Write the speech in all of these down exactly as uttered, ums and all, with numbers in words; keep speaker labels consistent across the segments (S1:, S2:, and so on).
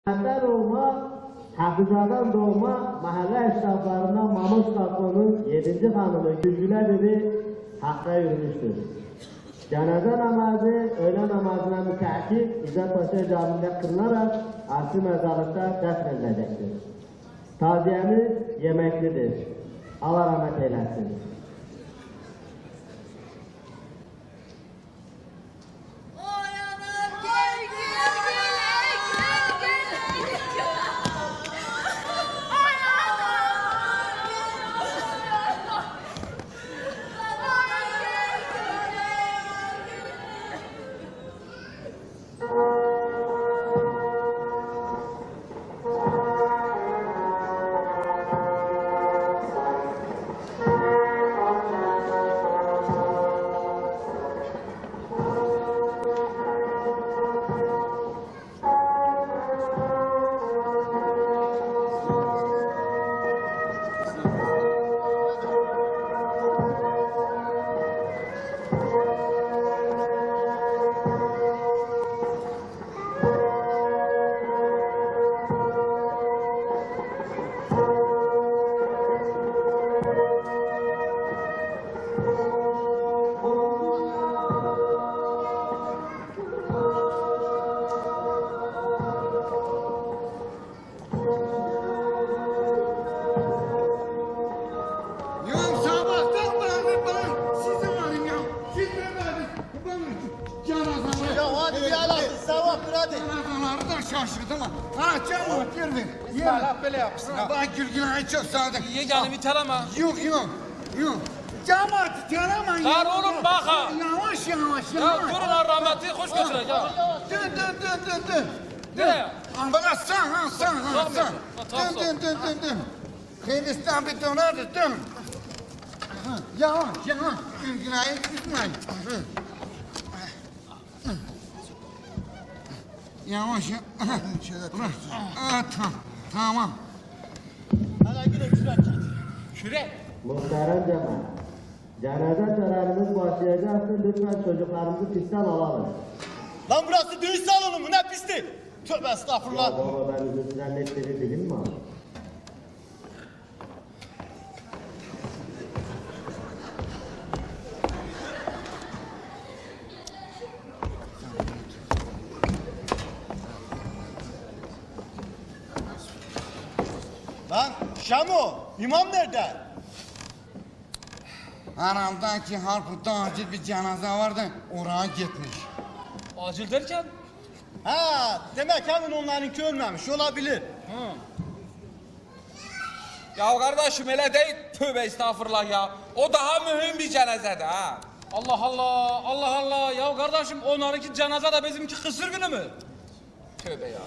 S1: Hatta olma, Hafızadan doğma mahalle esnaflarından Mahmut Kakko'nun yedinci hanımı Gülgüle Bibi Hakk'a yürümüştür. Cenaze namazı öğle namazına müteakip İzzet Paşa Camii'nde kılınarak asli mezarlıkta defnedilecektir. Taziyemiz yemeklidir. Allah rahmet eylesin.
S2: Şaşırdım ha. Ha canım girdi.
S3: Salak böyle yapsın.
S2: Bak Gülgün'ü çok sağdık.
S3: İyi canım iteleme.
S2: Yok yok. Yok. Cemaat iteleme.
S3: Lan oğlum bak ha.
S2: Yavaş yavaş
S3: Ya
S2: yavaş.
S3: durun ha rahmetli hoş götüreceğim.
S2: Dön dön dön dön dön.
S3: Nereye?
S2: Bana sağ ha sağ ha
S3: Sağ
S2: sağ.
S3: mı? Tamam,
S2: Dön dön dön dön dön. Hindistan bir dönerdi dön. Yavaş yavaş. Gülgün'ü tutmayın. Yavaş ya. Aa, tamam. Tamam.
S4: Hadi gidelim şuraya.
S3: Şuraya.
S1: Muhterem cemaat, cenaze törenimiz başlayacaktır. Lütfen çocuklarımızı pistten alalım.
S4: Lan burası düğün salonu mu? Ne pisti? Tövbe
S1: Ya
S4: estağfurullah.
S1: baba ben uzun süren netleri bilim mi abi?
S4: Lan Şamo, imam nerede?
S2: Aramda ki Harput'ta acil bir cenaze vardı. Oraya gitmiş.
S3: Acil derken?
S4: Ha, demek hemen onlarınki ölmemiş olabilir.
S3: Ya kardeşim öyle değil. Tövbe estağfurullah ya. O daha mühim bir cenazede ha. Allah Allah, Allah Allah. Ya kardeşim onlarınki cenaze de bizimki kısır günü mü? Tövbe ya.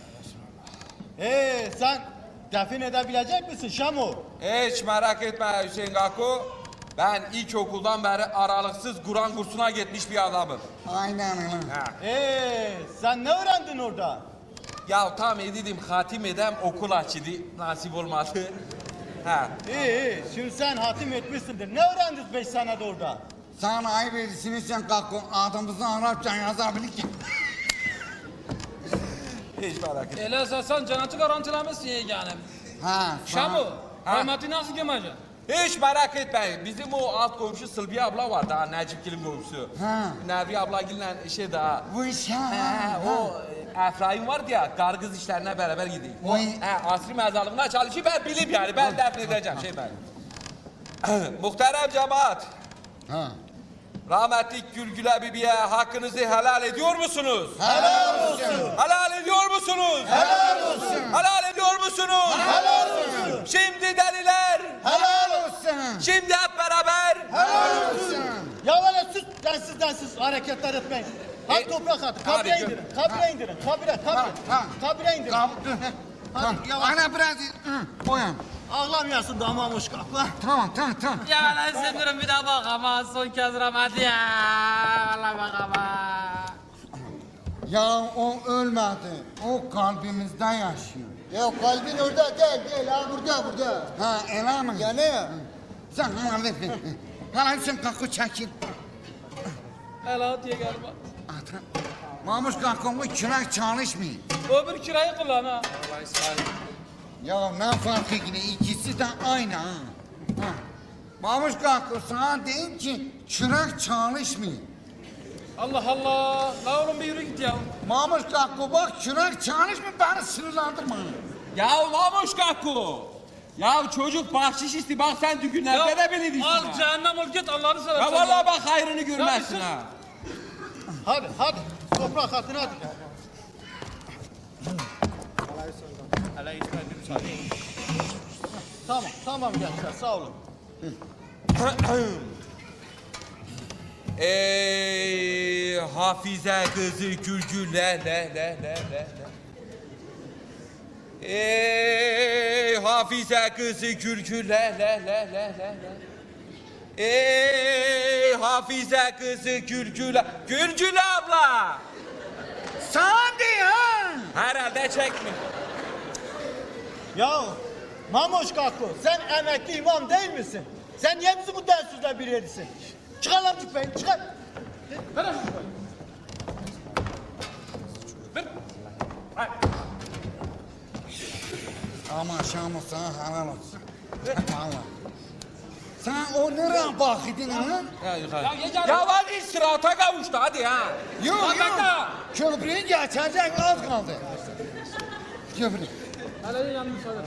S4: Ee, sen defin edebilecek misin Şamo?
S3: Hiç merak etme Hüseyin Gaku. Ben ilkokuldan beri aralıksız Kur'an kursuna gitmiş bir adamım.
S2: Aynen öyle.
S3: Ha.
S4: Ee, sen ne öğrendin orada?
S3: Ya tam edidim hatim edem okul açıldı. Nasip olmadı. Ha.
S4: İyi iyi, şimdi sen hatim etmişsindir. Ne öğrendin beş senede orada?
S2: Sen ayıp ediyorsun sen kalkın. Adımızı Arapça yazabilir ki.
S3: Hiç merak etme.
S5: Elə əsasən cənnəti garantiləmişsin yeganəm.
S2: Ha.
S5: Şamu,
S3: Ha.
S5: rahməti nasıl göməcək?
S3: Hiç merak etmeyin. Bizim o alt komşu Sılbiye abla var daha Necipgil'in komşusu.
S2: Ha.
S3: Nevi ablagille şey daha.
S2: Bu iş ha.
S3: He, o e, Efraim vardı ya kargız işlerine beraber gidiyor. O
S2: Vay.
S3: he, asri mezarlığına çalışıyor ben bilip yani ben defnedeceğim şey ben. Muhterem cemaat.
S2: Ha.
S3: Rahmetli Gülgüle Bibi'ye hakkınızı helal ediyor musunuz?
S4: Helal olsun.
S3: Helal ediyor musunuz?
S4: Helal olsun.
S3: Helal ediyor musunuz?
S4: Helal olsun.
S3: Şimdi deliler.
S2: Helal olsun.
S3: Şimdi hep beraber.
S4: Helal olsun. Ya öyle sus, densiz densiz hareketler etmeyin. Hadi
S3: E,
S4: toprak atın,
S3: hadi
S4: kabire
S3: gö-
S4: indirin, kabire indirin, kabire,
S2: Ha,
S4: kabire,
S2: ha.
S4: kabire indirin.
S2: Tamam.
S4: Hadi yavaş.
S2: Ana biraz hı, koyun.
S4: Ağlamayasın damamış kapla.
S2: Tamam tamam tamam.
S5: Ya mən istəmirəm bir daha bax ama son kəz rahməti ya. Allah bax ama.
S2: Ya o ölmedi. O kalbimizde yaşıyor.
S4: Ya kalbin orada değil, değil ha burada, burada.
S2: Ha öyle mi?
S4: Ya ne?
S2: Sen bana ver. ver. Hala sen kalkı çekil.
S5: Hələ at yeganəm.
S2: Ata. Mamuş kalkımı çırak çalışmıyor.
S3: Öbür kirayı kullan ha.
S2: Ya ne fark yine ikisi de aynı ha. ha. Mamuş kalkı sana diyeyim ki çırak çalışmıyor.
S3: Allah Allah. La oğlum bir yürü git ya.
S2: Mamuş kalkı bak çırak çalışmıyor beni sınırlandırma.
S3: Ya Mamuş Kakku. Ya çocuk bahşiş isti bak sen düğünlerde de beni
S5: Al
S3: dişsin ha.
S5: cehennem ol git Allah'ını seversen.
S3: Ya vallahi bak hayrını görmezsin
S5: Ya
S3: ha.
S4: Hadi hadi. Toprak hatını hadi. Tamam tamam gençler sağ olun.
S3: Ey Hafize kızı Gülgül le le le le le. Ey Hafize kızı Gülgül le le le le le le. Ey Hafize kızı Gülgül Gülgül abla.
S2: Sana diyor ha.
S3: Herhalde çekmiş.
S4: Ya Mamoş Kakko sen emekli imam değil misin? Sen niye bizi bu densizle bir yerisin? Çıkar lan cübbeyi çıkar.
S3: Ver lan şu Ver. Hayır.
S2: Ama Şam'ı sana helal olsun. Vallahi. Sen o nereye bakıyordun ha?
S3: Ya yukarı. Ya, ya hadi sırata kavuştu hadi ha.
S2: Yok
S3: Bak,
S2: yok.
S3: bak.
S2: Köprüyü geçecek az kaldı. Köprü.
S3: Hele yanlış söyle.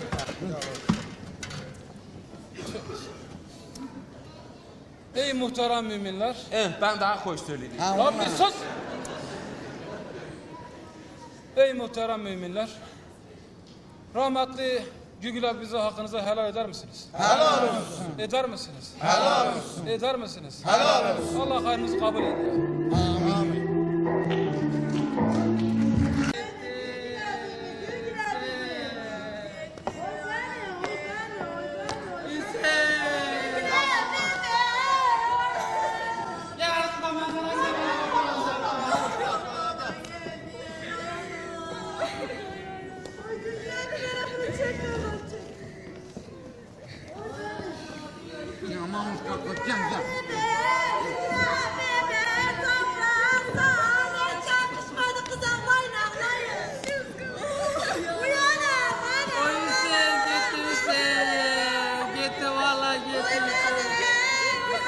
S3: Ey muhterem müminler. Evet ben daha hoş söyleyeyim.
S2: Ha,
S3: Lan
S2: vallahi.
S3: bir sus. Ey muhterem müminler. Rahmetli Gügül abi bize hakkınızı helal eder misiniz?
S2: Helal olsun.
S3: Eder misiniz?
S2: Helal olsun.
S3: Eder misiniz?
S2: Helal olsun.
S3: Allah hayrınızı kabul ediyor.
S2: Amin. Ya Mahmut kalk gel gel.
S5: O Hüseyin gitti Hüseyin. Gitti vallahi gitti Hüseyin.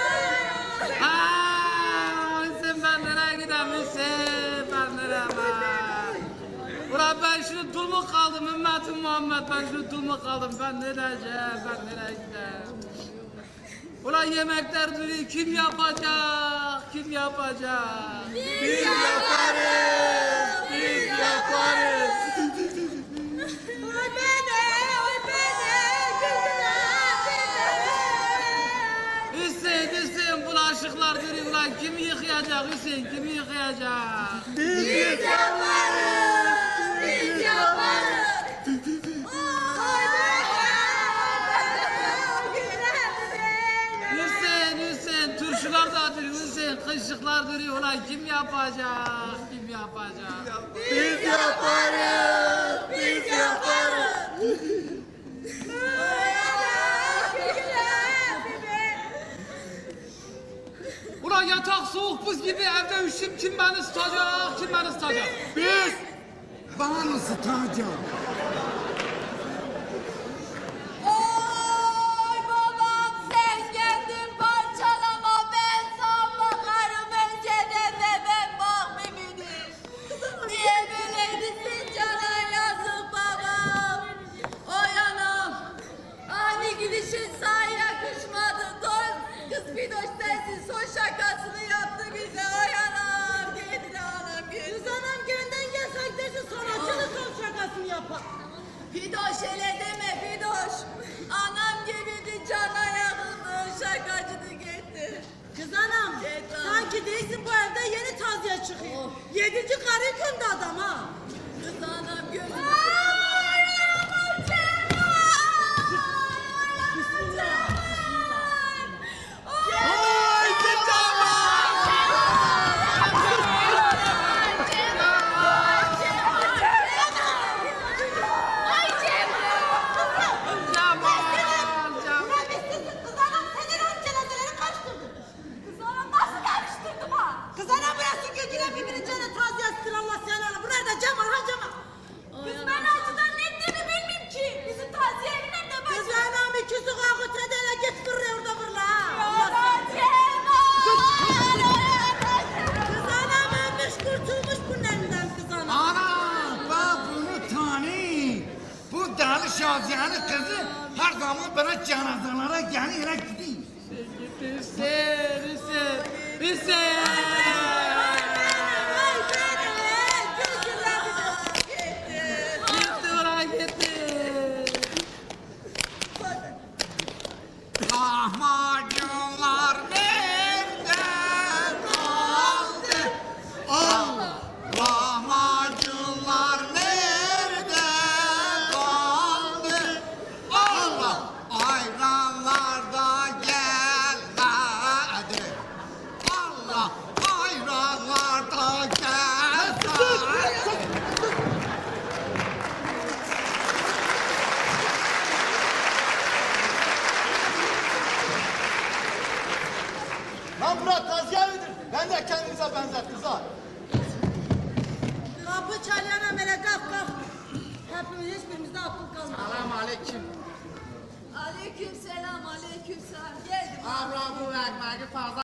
S5: Haa Hüseyin ben nereye gideyim Hüseyin ben nereye ben. Ulan ben şunu dul kaldım ümmetim Muhammed ben şunu dul kaldım ben ne diyeceğim ben nereye gideyim. Ulan yemekler duruyor kim yapacak kim yapacak. Biz yaparız biz yaparız. Hüseyin, Hüseyin bulaşıklar duruyor ulan kim yıkayacak Hüseyin kimi yıkayacak?
S6: Biz yaparız, biz yaparız.
S5: Hüseyin, Hüseyin turşular da duruyor Hüseyin kışlıklar duruyor ulan kim yapacak kim yapacak?
S6: Biz yaparız, biz yaparız.
S5: Ulan yatak soğuk buz gibi evde üşüm kim beni ısıtacak kim beni ısıtacak? Biz!
S2: Bana ısıtacağım.
S6: Oy babam sen geldin parçalama ben sana bakarım önceden ve ben bakmimidir. Niye böyleydisin cana yazık babam. Oy anam ani gidişin sana yakışmadı dost. Kız Fidoş sensin son şakasını yaptı bize oy anam. Geldi anam geldi. Kız anam gönden gelsen desin sanatçının son şakasını yapar. Fidoş hele deme Fidoş. Anam gibiydi cana yakıldı şakacını gitti.
S7: Kız anam,
S6: Yeter.
S7: sanki değilsin bu evde yeni taziye çıkıyor. Yedinci karı gündü adam ha.
S6: Kız anam gözünü
S7: Ay aman Cemal! Bismillah.
S6: Ay Ay Cemal!
S5: Cemal, Cemal.
S7: Rabbistesin kız anam senin ön cenazeleri karıştırdın. Kız anam nasıl karıştırdım ha? Kız anam burası Gülgül'e birbirini cana taziye sıralar.
S2: Şaziye'nin kızı her zaman böyle cenazelere gelir gidiyor.
S5: Hüseyin, Hüseyin, Hüseyin.
S7: Ay seni, gözlerini gitti.
S5: Gitti bırak gitti.
S2: Lahmacunlar nerede kaldı? Allah! Lahmacunlar nerede kaldı? Allah! Ayranlar da gelmedi. Allah! Ayranlar da gelmedi.
S4: Lan Murat taziye midir? Ben de kendinize benzettiniz ha.
S7: Kapı çalyan amele kalk kalk. Hepimiz hiçbirimizde akıl kalmadı.
S5: Selam aleyküm.
S6: Aleyküm selam, aleyküm selam. Geldim.
S5: Abra bu ekmeği fazla